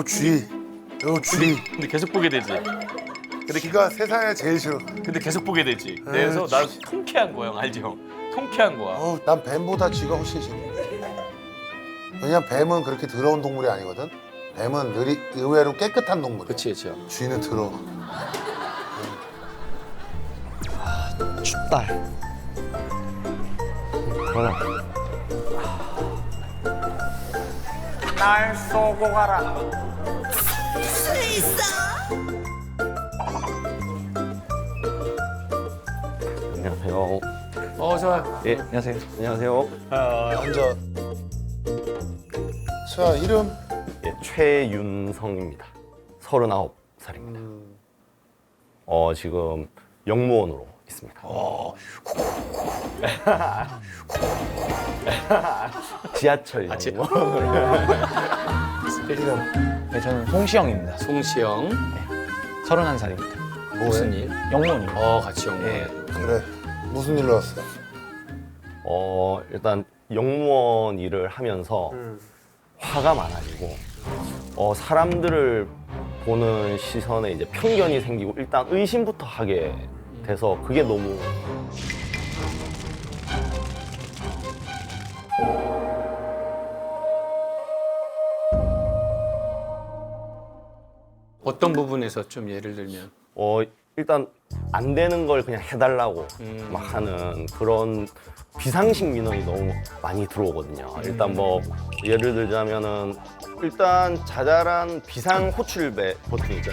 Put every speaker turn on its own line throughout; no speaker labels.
쥐. 요 쥐.
근데 계속 보게 되지.
쥐가 세상에 제일 싫어.
근데 계속 보게 되지. 그래서 나 통쾌한 거야, 형. 알지, 형? 통쾌한 거야.
난 뱀보다 쥐가 훨씬 싫어. 왜냐면 뱀은 그렇게 더러운 동물이 아니거든. 뱀은 의외로 깨끗한 동물이야.
그치, 그치.
쥐는 더러워.
춥다.
날 쏘고 가라.
안녕하세요.
좋아요.
예, 안녕하세요. 안녕하세요.
앉아. 자, 이름.
예, 최윤성입니다. 39살입니다. 지금 영무원으로 있습니다. 지하철 영무원.
네, 저는 송시영입니다.
송시영.
31살입니다.
무슨 일?
영문입니다.
같이 영문.
예.
그래. 무슨 일로 왔어?
일단 영무원 일을 하면서 화가 많아지고 사람들을 보는 시선에 이제 편견이 생기고 일단 의심부터 하게 돼서 그게 너무
어떤 부분에서 좀 예를 들면?
일단 안 되는 걸 그냥 해달라고 막 하는 그런 비상식 민원이 너무 많이 들어오거든요. 일단 뭐 예를 들자면은 일단 자잘한 비상 호출배 버튼이죠.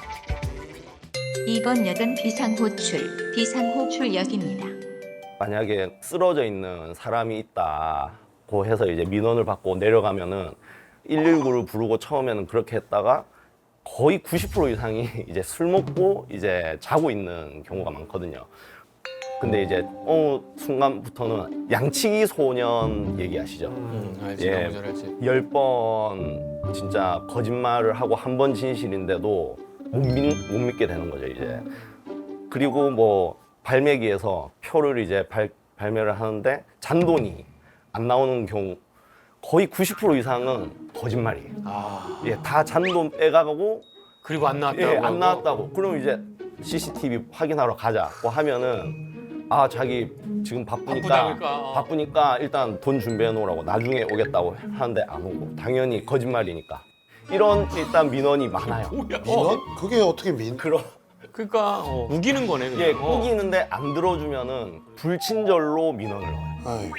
이번 역은 비상호출역입니다.
만약에 쓰러져 있는 사람이 있다고 해서 이제 민원을 받고 내려가면은 119를 부르고 처음에는 그렇게 했다가 거의 90% 이상이 이제 술 먹고 이제 자고 있는 경우가 많거든요. 근데 이제 순간부터는 양치기 소년 얘기하시죠?
알지.
예.
너무 잘 알지.
10번 진짜 거짓말을 하고 한 번 진실인데도 못 믿게 되는 거죠, 이제. 그리고 뭐 발매기에서 표를 이제 발매를 하는데 잔돈이 안 나오는 경우 거의 90% 이상은 거짓말이에요. 예, 다 잔돈 빼가고
그리고 안 나왔다고.
예, 안
하고?
나왔다고. 그럼 이제 CCTV 확인하러 가자고 하면은 자기 지금 바쁘니까 일단 돈 준비해 놓으라고 나중에 오겠다고 하는데 안 오고 당연히 거짓말이니까 이런 일단 민원이 많아요.
민원? 그게 어떻게
그러니까 우기는 거네. 그냥.
예, 꾸기는데 안 들어주면은 불친절로 민원을 넣어요.
아이고.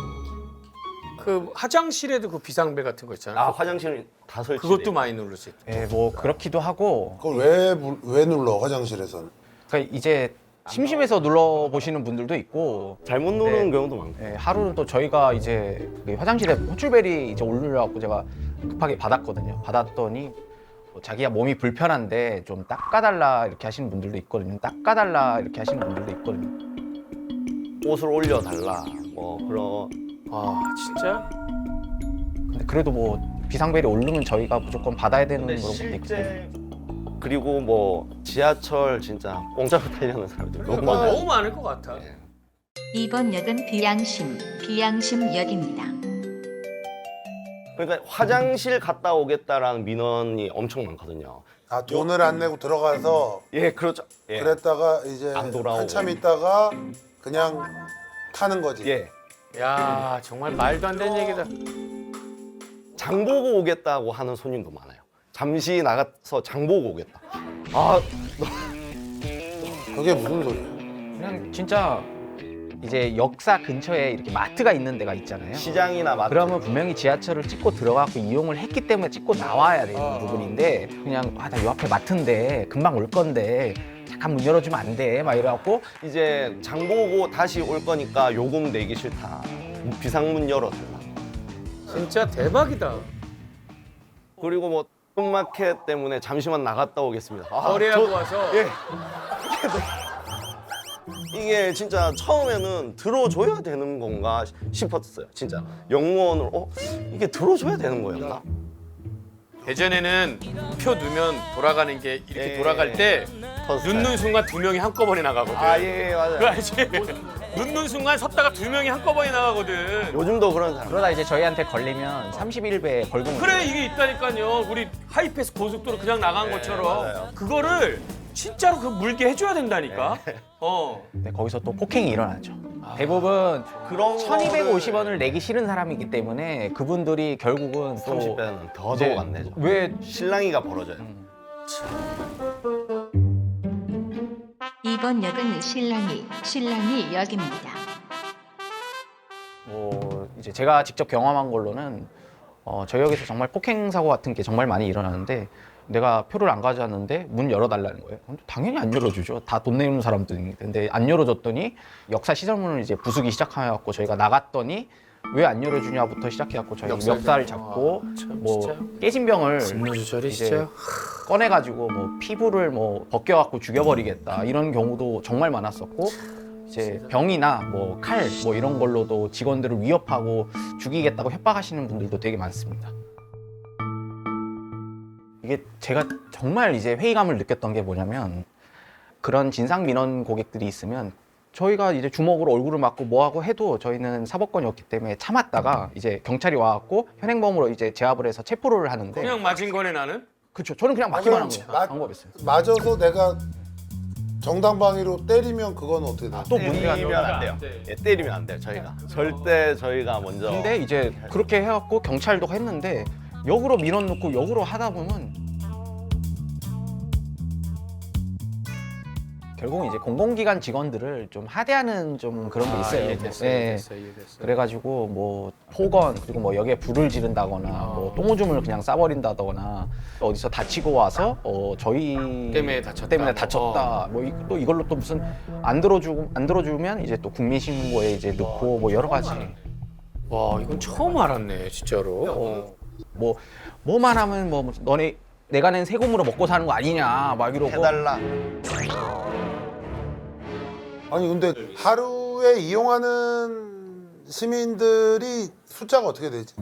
그 화장실에도 그 비상벨 같은 거 있잖아.
화장실 다 설치.
그것도 많이 누르지.
예, 뭐 그렇기도 하고.
그걸 왜 눌러, 화장실에서는?
그러니까 이제 심심해서 눌러보시는 분들도 있고.
잘못 누르는
네.
경우도 많고.
예, 하루는 또 저희가 이제 그 화장실에 호출벨이 이제 울려갖고 제가 급하게 받았거든요. 받았더니 뭐 자기가 몸이 불편한데 좀 닦아달라 이렇게 하시는 분들도 있거든요. 닦아달라 이렇게 하시는 분들도 있거든요.
옷을 올려달라. 뭐 그런.
진짜?
근데 그래도 뭐 비상벨이 오르면 저희가 무조건 받아야 되는
근데
그런 것도 있고.
실제 그리고 뭐 지하철 진짜 공짜로 타려는 사람들 너무
그거
많아요.
너무 많을 것 같아.
예.
이번 역은 비양심역입니다.
그러니까 화장실 갔다 오겠다라는 민원이 엄청 많거든요.
돈을 안 내고 들어가서
예, 그렇죠. 예.
그랬다가 이제
안 돌아오고.
한참 있다가 그냥 타는 거지.
예.
야, 정말 말도 안 되는 얘기다.
장 보고 오겠다고 하는 손님도 많아요. 잠시 나가서 장 보고 오겠다.
그게 무슨 소리야?
그냥 진짜 이제 역사 근처에 이렇게 마트가 있는 데가 있잖아요.
시장이나 마트.
그러면 분명히 지하철을 찍고 들어가고 이용을 했기 때문에 찍고 나와야 되는 부분인데 그냥 나 요 앞에 마트인데 금방 올 건데 잠깐 문 열어주면 안 돼? 막 이래갖고
이제 장 보고 다시 올 거니까 요금 내기 싫다. 비상문 열어달라.
진짜 대박이다.
그리고 뭐 super마켓 때문에 잠시만 나갔다 오겠습니다.
거래하고 와서.
예. 이게 진짜 처음에는 들어줘야 되는 건가 싶었어요. 진짜 영무원으로 이게 들어줘야 되는 거였나?
예전에는 표 넣으면 돌아가는 게 이렇게
예.
돌아갈 때
터스타일.
눕는 순간 두 명이 한꺼번에 나가거든.
예, 맞아요.
그거 알지? 눕는 순간 섰다가 그러다가 2명이 한꺼번에 나가거든.
요즘도 그런 사람.
그러다 이제 저희한테 걸리면 31배 벌금을
그래 이게 있다니까요. 우리 하이패스 고속도로 그냥 나간 것처럼
맞아요.
그거를 진짜로 그 물게 해줘야 된다니까.
네, 거기서 또 폭행이 일어나죠. 대부분
그런
1,250원을 내기 싫은 사람이기 때문에 그분들이 결국은 또
30배는 더
이제
안 내죠.
왜
실랑이가 벌어져요.
이번 역은 신랑이 역입니다.
뭐 이제 제가 직접 경험한 걸로는 저희 역에서 정말 폭행 사고 같은 게 정말 많이 일어나는데 내가 표를 안 가져왔는데 문 열어달라는 거예요. 당연히 안 열어주죠. 다 돈 내는 사람들인데 근데 안 열어줬더니 역사 시설문을 이제 부수기 시작해갖고 저희가 나갔더니 왜 안 열어주냐부터 시작해갖고 저희 멱살 잡고 뭐 깨진 병을 이제 꺼내가지고 뭐 피부를 뭐 벗겨갖고 죽여버리겠다 이런 경우도 정말 많았었고 이제 병이나 뭐 칼 뭐 이런 걸로도 직원들을 위협하고 죽이겠다고 협박하시는 분들도 되게 많습니다. 이게 제가 정말 이제 회의감을 느꼈던 게 뭐냐면 그런 진상 민원 고객들이 있으면 저희가 이제 주먹으로 얼굴을 맞고 뭐하고 해도 저희는 사법권이었기 때문에 참았다가 이제 경찰이 와갖고 현행범으로 이제 제압을 해서 체포를 하는데
그냥 맞은 거네 나는.
그렇죠. 저는 그냥 맞기만 한 거예요.
맞-
방법이었어요.
맞아서 내가 정당방위로 때리면 그건 어떻게 돼?
또 문제가
때리면 안 돼요. 예, 때리면 안 돼요. 저희가 절대 저희가 먼저.
근데 이제 그렇게 해갖고 경찰도 했는데 역으로 민원 넣고 역으로 하다 보면 결국은 이제 공공기관 직원들을 좀 하대하는 좀 그런 게 있어요. 예. 그래가지고 뭐 폭언 그리고 뭐 역에 불을 지른다거나 뭐 똥오줌을 그냥 싸버린다거나 어디서 다치고 와서 저희
때문에 다쳤다.
다쳤다. 뭐 또 이걸로 또 무슨 안 들어주면 이제 또 국민신고에 이제 넣고 뭐 여러 가지
와 이건 처음 알았네 진짜로.
뭐만 하면 뭐 너네 내가 낸 세금으로 먹고 사는 거 아니냐 막 이러고
해달라.
아니 근데 하루에 이용하는 시민들이 숫자가 어떻게 되지?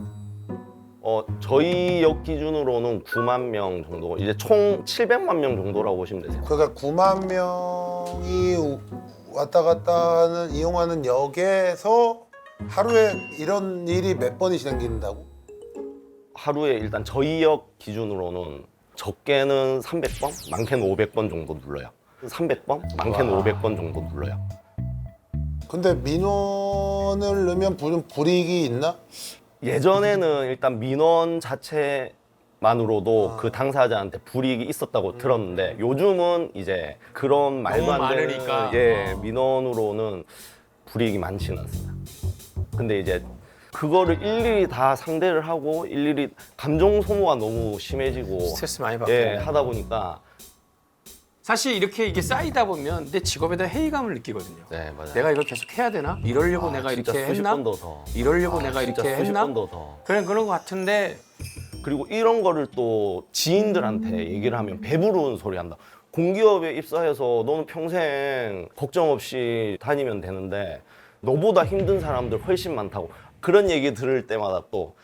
저희 역 기준으로는 9만 명 정도. 이제 총 700만 명 정도라고 보시면 되세요.
그러니까 9만 명이 왔다 갔다 하는 이용하는 역에서 하루에 이런 일이 몇 번이 생긴다고?
하루에 일단 저희 역 기준으로는 적게는 300번, 많게는 500번 정도 눌러요. 300번, 많게는 500번 정도 눌러요.
근데 민원을 넣으면 불이익이 있나?
예전에는 일단 민원 자체만으로도 그 당사자한테 불이익이 있었다고 들었는데 요즘은 이제 그런 말도
너무
안 되는
많으니까.
민원으로는 불이익이 많지는 않습니다. 근데 이제 그거를 일일이 다 상대를 하고 일일이 감정 소모가 너무 심해지고
스트레스 많이 받게.
하다 보니까
사실 이렇게 이게 쌓이다 보면 내 직업에 대한 회의감을 느끼거든요.
네 맞아요.
내가 이걸 계속 해야 되나? 이러려고 내가
진짜
이렇게
수십
했나?
번도 더.
이러려고 내가
진짜
이렇게
수십
했나?
번도 더.
그런 것 같은데
그리고 이런 거를 또 지인들한테 얘기를 하면 배부른 소리 한다. 공기업에 입사해서 너는 평생 걱정 없이 다니면 되는데 너보다 힘든 사람들 훨씬 많다고. 그런 얘기 들을 때마다 또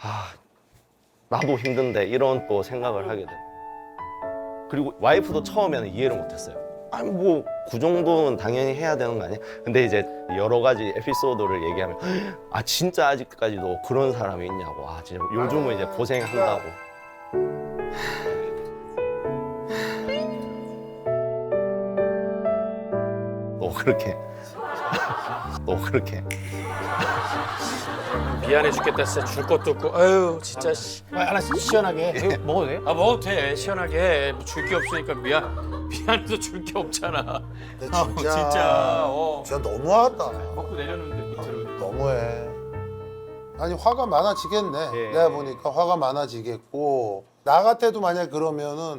나도 힘든데 이런 또 생각을 하게 돼. 그리고 와이프도 처음에는 이해를 못했어요. 아니 뭐 그 정도는 당연히 해야 되는 거 아니야? 근데 이제 여러 가지 에피소드를 얘기하면 진짜 아직까지도 그런 사람이 있냐고. 진짜 요즘은 이제 고생한다고. 너 그렇게
미안해 죽겠다 진짜 줄 것도 없고 아유 진짜 하나씩 시원하게 해.
먹어도 돼요?
먹어도 돼 시원하게 줄 게 없으니까 미안해서 줄 게 없잖아.
근데
진짜
진짜 너무하다.
먹고 내렸는데 밑으로.
너무해. 아니 화가 많아지겠네.
예.
내가 보니까 화가 많아지겠고 나 같아도 만약 그러면은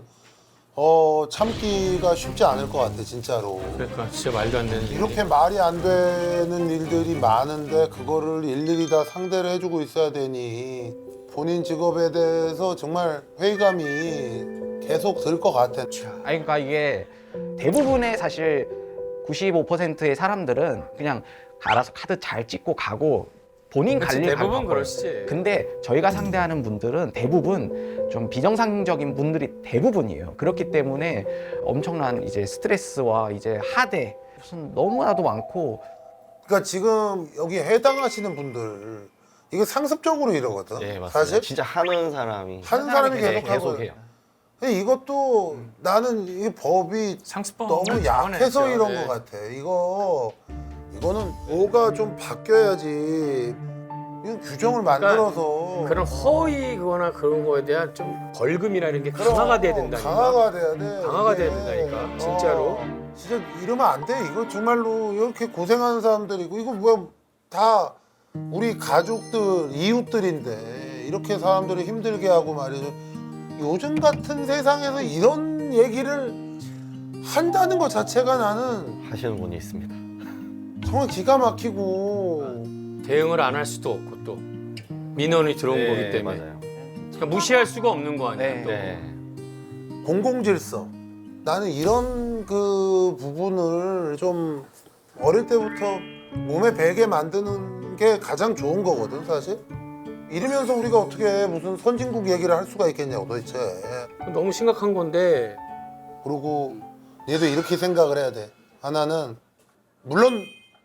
참기가 쉽지 않을 것 같아 진짜로.
그러니까 진짜 말도 안 되는
이렇게 말이 안 되는 일들이 많은데 그거를 일일이 다 상대를 해주고 있어야 되니 본인 직업에 대해서 정말 회의감이 계속 들 것 같아.
그러니까 이게 대부분의 사실 95%의 사람들은 그냥 알아서 카드 잘 찍고 가고 본인 갈 일
대부분
가고.
그러시지.
근데 저희가 상대하는 분들은 대부분 좀 비정상적인 분들이 대부분이에요. 그렇기 때문에 엄청난 이제 스트레스와 이제 하대 무슨 너무나도 많고
그러니까 지금 여기 해당하시는 분들 이거 상습적으로 이러거든.
예, 맞습니다.
사실
진짜 하는 사람이
하는 사람이
네,
계속 하고.
계속해요.
근데 이것도 나는 이 법이
상습범
너무 약해서 이런
네.
것 같아. 이거는 뭐가 좀 바뀌어야지. 이거 규정을 만들어서
그런 허위 그거나 그런 거에 대한 좀 벌금이라는 게
그럼
강화가 돼야 된다니까.
강화가 돼야 돼.
강화가
이게.
돼야 된다니까, 진짜로.
진짜 이러면 안 돼. 이거 정말로 이렇게 고생하는 사람들이고 이거 뭐 다 우리 가족들, 이웃들인데 이렇게 사람들을 힘들게 하고 말이죠. 요즘 같은 세상에서 이런 얘기를 한다는 것 자체가 나는
하시는 분이 있습니다.
정말 기가 막히고
대응을 안 할 수도 없고 또 민원이 들어온
네,
거기 때문에.
맞아요.
그러니까 무시할 수가 없는 거 아니야.
네.
또.
네.
공공질서. 나는 이런 그 부분을 좀 어릴 때부터 몸에 배게 만드는 게 가장 좋은 거거든 사실. 이러면서 우리가 어떻게 무슨 선진국 얘기를 할 수가 있겠냐고 도대체.
너무 심각한 건데.
그리고 얘도 이렇게 생각을 해야 돼. 하나는 물론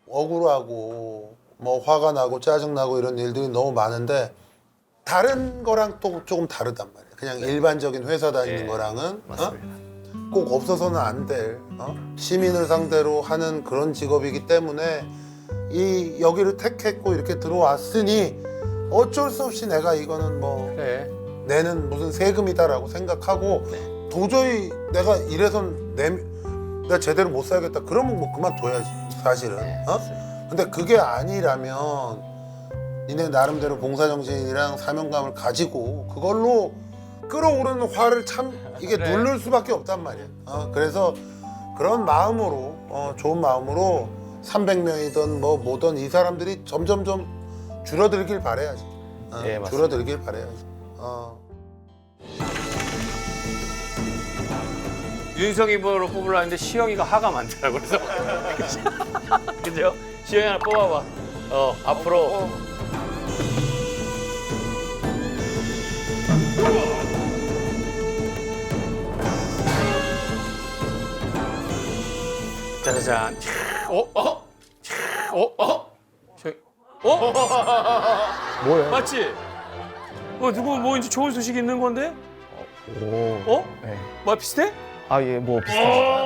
억울하고 뭐 화가 나고 짜증나고 이런 일들이 너무 많은데 다른 거랑 또 조금 다르단 말이야. 그냥 일반적인 회사 다니는
네,
거랑은
맞습니다.
꼭 없어서는 안 될 시민을 상대로 하는 그런 직업이기 때문에 이 여기를 택했고 이렇게 들어왔으니 어쩔 수 없이 내가 이거는 뭐
그래.
내는 무슨 세금이다라고 생각하고 도저히 내가 이래선 내가 제대로 못 살겠다 그러면 뭐 그만둬야지 사실은. 근데 그게 아니라면 니네 나름대로 봉사정신이랑 사명감을 가지고 그걸로 끌어오르는 화를 참 이게 누를 수밖에 없단 말이야. 그래서 그런 마음으로 좋은 마음으로 300명이든 뭐든 이 사람들이 점점점 줄어들길 바라야지.
예, 맞습니다.
줄어들길 바라야지.
윤석이 번호로 뽑으려 했는데 시영이가 하가 많더라고. 그래서 그죠? 시영이 하나 뽑아봐. 앞으로. 짜자잔.
뭐예요?
맞지? 누구 뭐 이제 좋은 소식 있는 건데?
오. 네.
뭐 비슷해?
아, 예, 뭐 비슷하죠.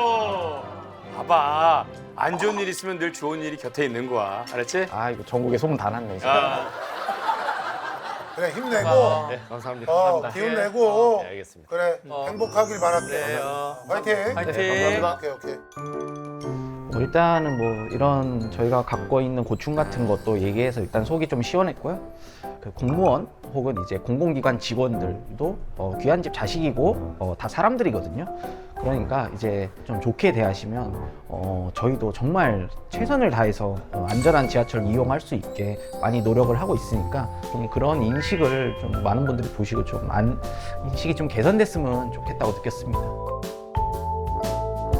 봐봐. 안 좋은 일 있으면 늘 좋은 일이 곁에 있는 거야. 알았지?
아, 이거 전국에 소문 다 났네. 진짜.
아,
그래 힘내고
네, 감사합니다.
기운 내고
네, 알겠습니다.
그래 행복하길 바랄게.
네,
화이팅.
화이팅.
네,
오케이 오케이.
뭐 일단은 뭐 이런 저희가 갖고 있는 고충 같은 것도 얘기해서 일단 속이 좀 시원했고요. 그 공무원 혹은 이제 공공기관 직원들도 귀한 집 자식이고 다 사람들이거든요. 그러니까 이제 좀 좋게 대하시면 저희도 정말 최선을 다해서 안전한 지하철 이용할 수 있게 많이 노력을 하고 있으니까 좀 그런 인식을 좀 많은 분들이 보시고 좀 인식이 좀 개선됐으면 좋겠다고 느꼈습니다.